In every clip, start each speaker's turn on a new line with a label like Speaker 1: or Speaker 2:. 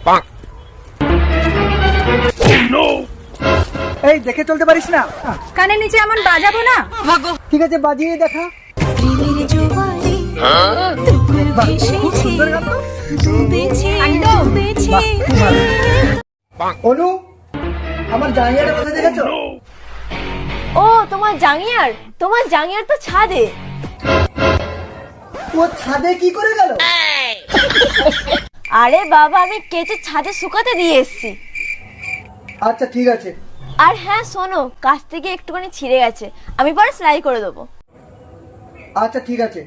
Speaker 1: এই দেখে চলতে পারিস না?
Speaker 2: কানের নিচে এমন বাজাবো না।
Speaker 1: ঠিক আছে, বাজিয়ে দেখা। খুব সুন্দর গান তো। অনু, আমার জাঙ্গিয়াটা কোথায় দেখেছো?
Speaker 3: ও তোমার জাঙ্গিয়ার তো ছাদে।
Speaker 1: ও ছাদে কি করে গেল?
Speaker 3: আরে বাবা, আমি কেচে ছাদে শুকাতে দিয়ে এসেছি।
Speaker 1: আচ্ছা ঠিক আছে।
Speaker 3: আর হ্যাঁ শোনো, কাছ থেকে একটুখানি ছিঁড়ে গেছে, আমি পরে সেলাই করে দেবো।
Speaker 1: আচ্ছা ঠিক আছে।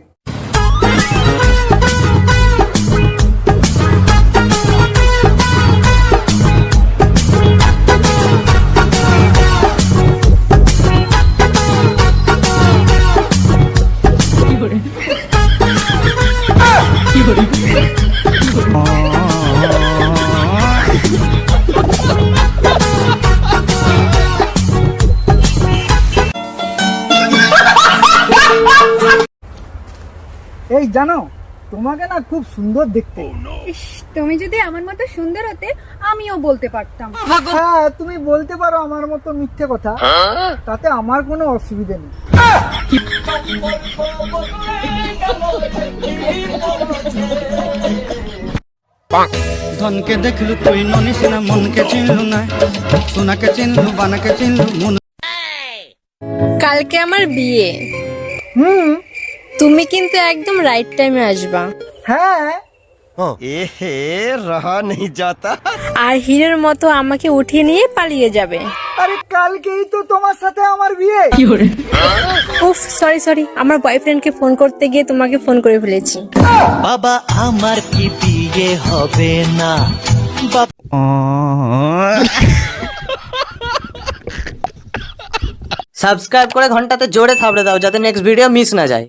Speaker 1: এই জানো, তোমাকে না খুব সুন্দর দেখতে।
Speaker 2: ইস, তুমি যদি আমার মতো সুন্দর হতে আমিও বলতে পারতাম।
Speaker 1: হ্যাঁ, তুমি বলতে পারো আমার মতো মিথ্যে কথা, তাতে আমার কোনো অসুবিধা নেই।
Speaker 4: ধনকে দেখলু তুই ননিস না, মনকে চিনলু না, সোনাকে চিনলু, বানাকে চিনলু, মন।
Speaker 5: কালকে আমার বিয়ে, তুমি কিন্তু একদম রাইট টাইমে আসবা।
Speaker 1: হ্যাঁ,
Speaker 6: এহে রহা নেই যাতা।
Speaker 5: আর হিরের মতো আমাকে উঠিয়ে নিয়ে পালিয়ে যাবে।
Speaker 1: আরে কালকেই তো তোমার সাথে আমার বিয়ে।
Speaker 5: উফ, সরি, আমার বয়ফ্রেন্ডকে ফোন করতে গিয়ে তোমাকে ফোন করে ফেলেছি।
Speaker 6: বাবা আমার কি বিয়ে হবে না?
Speaker 7: সাবস্ক্রাইব করে ঘন্টাতে জোরে থাবড়ে দাও যাতে নেক্সট ভিডিও মিস না যায়।